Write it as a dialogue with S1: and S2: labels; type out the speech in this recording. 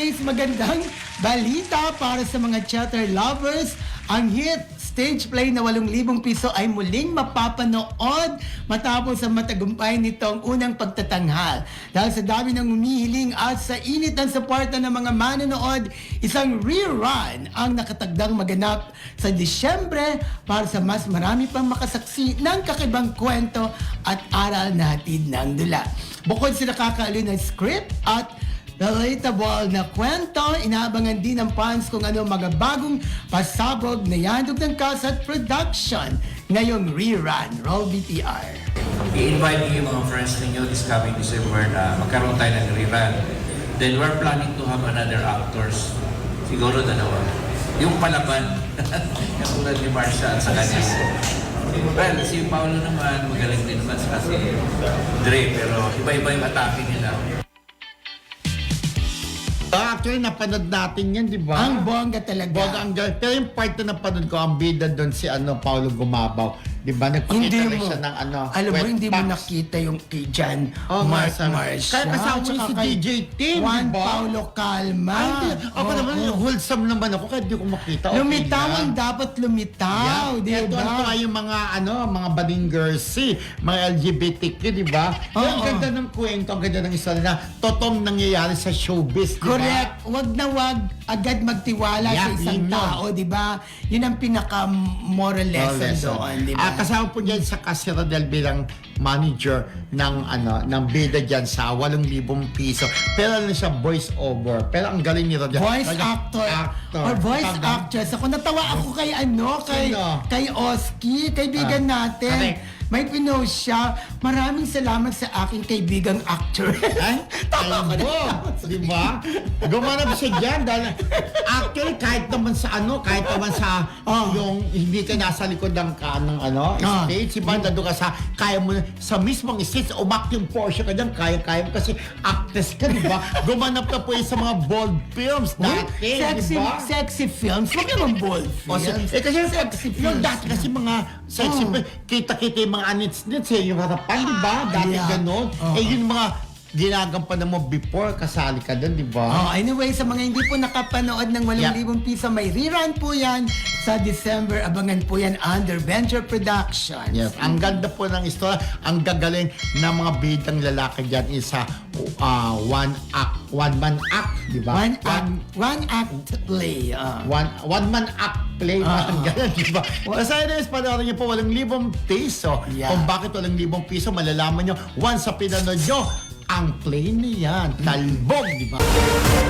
S1: anyways, magandang balita para sa mga theater lovers. Ang hit stage play na 8,000 piso ay muling mapapanood matapos ang matagumpay nitong unang pagtatanghal. Dahil sa dami ng umihiling at sa init ng suporta ng mga manonood, isang rerun ang nakatagdang maganap sa Disyembre para sa mas marami pang makasaksi ng kakibang kwento at aral na hatid ng dula. Bukod sa nakakaaliw na script at relatable na kwento, inaabangan din ng fans kung ano mga bagong pasabog na yandog ng cast at production ngayong rerun. Roll BTR.
S2: I-invite niyo yung mga friends ninyo this coming December na magkaroon tayo ng rerun. Then we're planning to have another actors. Siguro dalawa. Yung palaban, katulad ni Marsha at sa kanya. Well, si Paolo naman, magaling din naman sa kasi Dre, pero iba-iba yung atake nila.
S3: Actually, napanood natin yan, di ba?
S1: Ang bongga talaga.
S3: Bongga ang galing. Pero yung part na napanood ko, ang bida doon si Paolo Gumabaw. Di ba?
S1: Hindi
S3: Nagpakita rin
S1: mo,
S3: siya ng
S1: alam mo,
S3: wet
S1: hindi mo
S3: box.
S1: nakita yung kay Jan
S3: Marsha.
S1: Marsha.
S3: Kaya kasama
S1: Tsaka
S3: si
S1: kay
S3: DJ Tim,
S1: Juan
S3: di ba?
S1: Paulo Calma.
S3: Ay, hindi. Ako naman, wholesome naman ako, kaya di ko makita. Okay
S1: Lumitaw
S3: lang.
S1: ang dapat lumitaw, di
S3: Ito
S1: ba?
S3: yung mga mga balinggersi, mga LGBTQ, di ba? Yung
S1: Oo.
S3: ganda ng kwento, ang ganda ng istorya na totoong nangyayari sa showbiz, di ba?
S1: Correct. Wag na wag agad magtiwala sa
S3: Yeah,
S1: isang
S3: yun yun.
S1: tao, di ba? Yun ang pinaka-moral lesson doon, di ba?
S3: Kasama po dyan sa Casa Rodel bilang manager ng bida dyan sa 8,000 piso. Pero ano siya, voice over. Pero ang galing ni Rodel.
S1: Voice
S3: Talaga,
S1: actor. Or voice
S3: Tama.
S1: actress. Ako natawa ako kay
S3: Sino?
S1: kay Oski, kaibigan natin.
S3: correct.
S1: May pinost siya. Maraming salamat sa aking kaibigang actor.
S3: Ay,
S1: Tama ko na.
S3: di ba? Gumanap siya dyan dahil actually kahit naman sa yung hindi ka nasa likod ng stage, iba nandun ka kaya mo sa mismong stage, umaking Porsche ka dyan, kaya mo kasi actress ka, di ba? Gumanap ka po sa mga bold films dati,
S1: Sexy,
S3: di ba?
S1: sexy films. Huwag naman bold films.
S3: Kasi
S1: Sexy
S3: yung
S1: films.
S3: dati kasi mga sexy films, kita-kita yung mga anits-nits yung harapan, di ba? Dati
S1: Yeah.
S3: ganon. Yung mga ginagampanan mo before, kasali ka doon, di ba?
S1: Anyway, sa mga hindi po nakapanood ng 8,000 piso, may rerun po yan sa December. Abangan po yan under Venture Productions.
S3: Yes, ang ganda po ng istorya, ang gagaling ng mga bidang lalaki dyan is one man act, di ba?
S1: One act play.
S3: One man act play, ang ganun, di ba? Sa anyways, panoorin niyo po 8,000 piso.
S1: Yeah.
S3: Kung bakit 8,000 piso, malalaman niyo once sa pinanood niyo ang play na yan. Talbog, di ba?